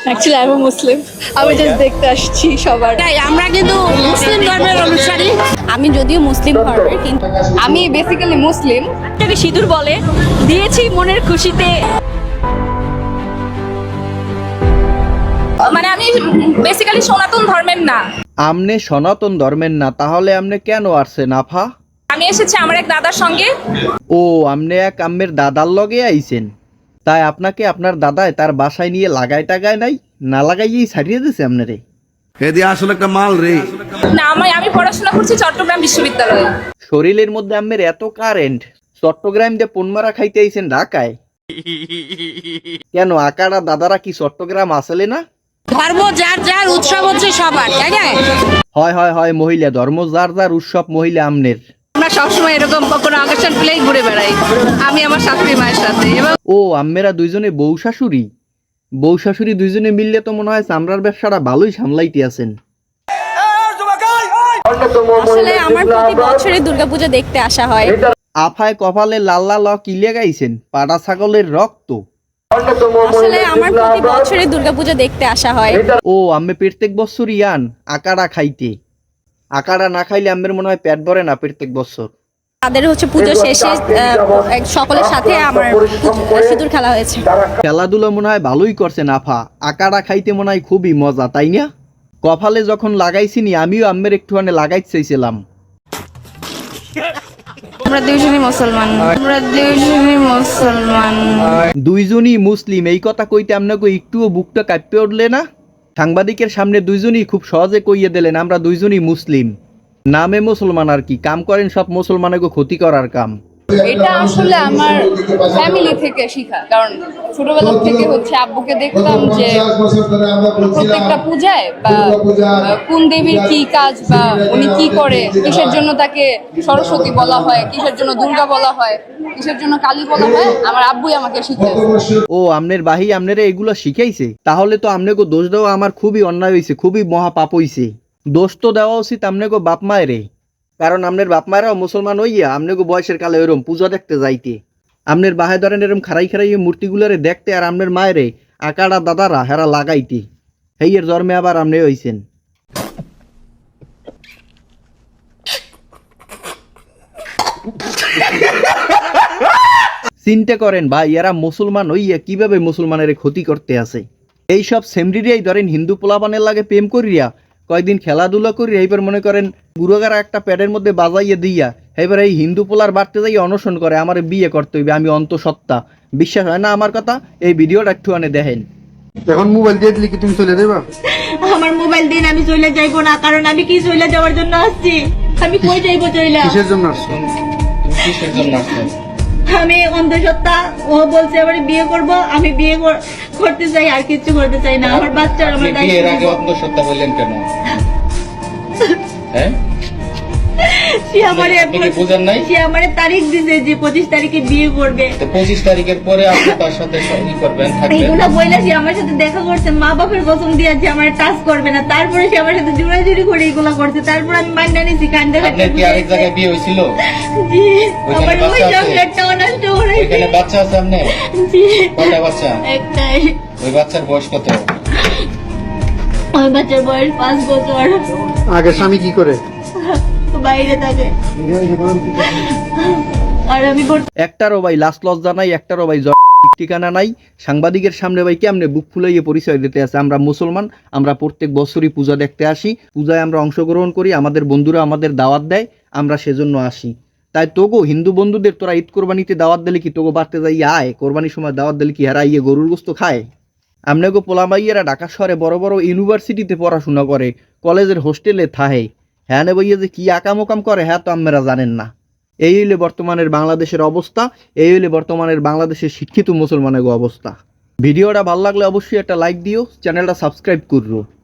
Actually আমি মুসলিম, আমি just দেখতে আসছি সবার। আমরা কিন্তু মুসলিম ধর্মের অনুসারী। আমি যদিও মুসলিম ধর্মের, কিন্তু আমি বেসিক্যালি মুসলিম। এটাকে সিঁদুর বলে, দিয়েছি মনের খুশিতে। মানে আমি বেসিক্যালি সনাতন ধর্মের না। আমনে সনাতন ধর্মের না, তাহলে আমনে কেন আসছেন আফা? আমি এসেছি আমার এক দাদার সঙ্গে। ও, আমনে এক আম্মের দাদার লগে আইছেন? তাই আপনাকে আপনার দাদায় তার বাসায় নিয়ে লাগাই টাগায় নাই, না লাগাইয়েই ছাড়িয়ে দিছে আপনারে? এদি আসলে একটা মাল রে। না, আমি পড়াশোনা করছি চট্টগ্রাম বিশ্ববিদ্যালয়ে। শরীরের মধ্যে আম্মের এত কারেন্ট, চট্টগ্রাম দিয়ে পনমারা খাইতে আইছেন ঢাকায়? কেন আকারা দাদারা কি চট্টগ্রাম আসলে না? ধর্ম যার যার, উৎসব হচ্ছে সবার, তাই না? হয় হয় হয়, মহিলা ধর্ম যার যার, উৎসব মহিলা আমনের। আমরা সবসময় এরকম কোনো অকেশন পেলেই ঘুরে বেড়াই, আমি আমার শাশুড়ি মায়ের সাথে। এবং ও, আম্মেরা দুইজনে বউ শাশুড়ি? বউ শাশুড়ি দুইজনে মিললে তো মনে হয় চামড়ার ব্যবসাটা ভালোই সামলাইতে আছেন। আসলে আমার প্রতি বছরে দুর্গাপূজা দেখতে আসা হয়। আফায় কপালে লাল লাল কিলে গাইছেন পাড়া ছাগলের রক্ত। আসলে আমার প্রতি বছরে দুর্গাপূজা দেখতে আসা হয়। ও, আম্মে প্রত্যেক বছরই আন আকাড়া খাইতে? আকাড়া না খাইলে আম্মের মনে হয় পেট ভরে না প্রত্যেক বছর। তাদের হচ্ছে পুজো শেষে সকলের সাথে আমার সিঁদুর খেলা হয়েছে। খেলাধুলা মনে হয় ভালোই করছেন আফা, আকাড়া খাইতে মনে হয় খুবই মজা, তাই না? কপালে যখন লাগাইছিনি আমিও আম্মের একটুখানি লাগাইতে চাইছিলাম। আমরা দুইজনই মুসলমান। দুইজনই মুসলিম, এই কথা কইতে আপনাকে একটুও বুকটা কাঁপতে উঠলে না? সাংবাদিকের সামনে দুইজনই খুব সহজে কইয়ে দিলেন আমরা দুইজনই মুসলিম। নামে মুসলমান আর কি, কাম করেন সব মুসলমানকে ক্ষতি করার কাম। এটা আসলে আমার ফ্যামিলি থেকে শিখা, কারণ ছোটবেলা থেকে হচ্ছে আব্বুকে দেখতাম যে প্রত্যেকটা পূজায় বা কোন দেবীর কি কাজ বা উনি কি করে, কিসের জন্য তাকে সরস্বতী বলা হয়, কিসের জন্য দুর্গা বলা হয়, কিসের জন্য কালী বলা হয়, আমার আব্বুই আমাকে শিখিয়েছে। ও, আমনের বাহি আমনেরে এগুলো শিখাইছে? তাহলে তো আমনেকে দোষ দেওয়া আমার খুবই অন্যায় হয়েছে, খুবই মহাপাপ হইছে। দোষ তো দেওয়া উচিত আমনেকে বাপ মায়েরে, কারণ আমনের বাপ মায়েরাও মুসলমান হইয়া আমনেকে বয়সের কালে ওরম পূজা দেখতে যাইতে। আমনের বাহে ধরেন এরম খারাই খারাই মূর্তিগুলারে দেখতে, আর আমনের মায়েরে আকাড়া দাদারা হেরা লাগাইতে। হেইয়ের জন্মে আবার আমনে হইছেন। চিন্তা করেন ভাই, এরা মুসলমান হইয়া কিভাবে মুসলমানের ক্ষতি করতে আছে। এইসব সেমরিরিয়াই ধরেন হিন্দু পোলাপানের লাগে প্রেম করিয়া কয়েকদিন খেলাধুলা করি, এইবার মনে করেন গুরুগারা একটা প্যাডের মধ্যে বাজাইয়ে দিয়া এইবার এই হিন্দু পোলার বাড়তে যাই অনশন করে আমার বিয়ে করতে হইবে, আমি অন্তঃসত্ত্বা। বিশ্বাস হয় না আমার কথা? এই ভিডিওটা একটু আনে দেখেন। এখন মোবাইল দিয়ে দিলে কি তুমি চলে দেবা? আমার মোবাইল দিন, আমি চলে যাইবো না, কারণ আমি কি চলে যাওয়ার জন্য আসছি? আমি কই যাইবো চলে? কিসের জন্য আসছো? আমি অন্ধসত্ত্বা, ও বলছে আমার বিয়ে করব, আমি বিয়ে করতে চাই, আর কিছু করতে চাই না। আমার বাচ্চা আমার বিয়ের আগে অন্ধসত্ত্বা বললেন কেন? হ্যাঁ, সে আমারে তারিখ দিছে যে 25 তারিখে বিয়ে করবে। তো 25 তারিখের পরে আপনি তার সাথে কি করবেন? থাকবেন? এইগুলো বইলা সে আমার সাথে দেখা করছে, মা বাপের কসম দিয়ে যে আমার টাচ করবে না, তারপরে সে আমার সাথে জোড়াজুড়ি করে এগুলা করছে, তারপর আমি মাইনা নিছি কান্দে। আপনার কি আরেক জায়গায় বিয়ে হয়েছিল? জি, ওইখানে আমার ওই বাচ্চা আছে? চকলেটটা নষ্ট করে। ওইখানে বাচ্চা আছে আপনার? জি, কয়টা বাচ্চা? একটাই। ওই বাচ্চার বয়স কত? ওই বাচ্চার বয়স 5 বছর। আগে স্বামী কি করে? বাইরে থাকে। আর আমি একটারও ভাই লাস্ট লজ্জা নাই, একটারও ভাই ঠিকানা নাই। সাংবাদিকের সামনে ভাই কেমনে বুক ফুলাইয়ে পরিচয় দিতে আছে আমরা মুসলমান, আমরা প্রত্যেক বছরই পূজা দেখতে আসি, পূজায় আমরা অংশগ্রহণ করি, আমাদের বন্ধুরা আমাদের দাওয়াত দেয়, আমরা সেজন্য আসি। তাই তোগো হিন্দু বন্ধুদের তোরা ঈদ কোরবানিতে দাওয়াত দিলে কি তোগো বাড়তে যাই আয়? কোরবানির সময় দাওয়াত দিলে কি হারা ইয়ে গরুর গোস্ত খায়? আমনেগো পোলামাইয়েরা ঢাকা শহরে বড় বড় ইউনিভার্সিটিতে পড়াশোনা করে, কলেজের হোস্টেলে থাহে, হ্যাঁ নে বইয়ে যে কি আকামোকাম করে হ্যাঁ তো আপনারা জানেন না। এই হইলে বর্তমানের বাংলাদেশের অবস্থা, এই হইলে বর্তমানের বাংলাদেশের শিক্ষিত মুসলমানের অবস্থা। ভিডিওটা ভালো লাগলে অবশ্যই একটা লাইক দিও, চ্যানেলটা সাবস্ক্রাইব করো।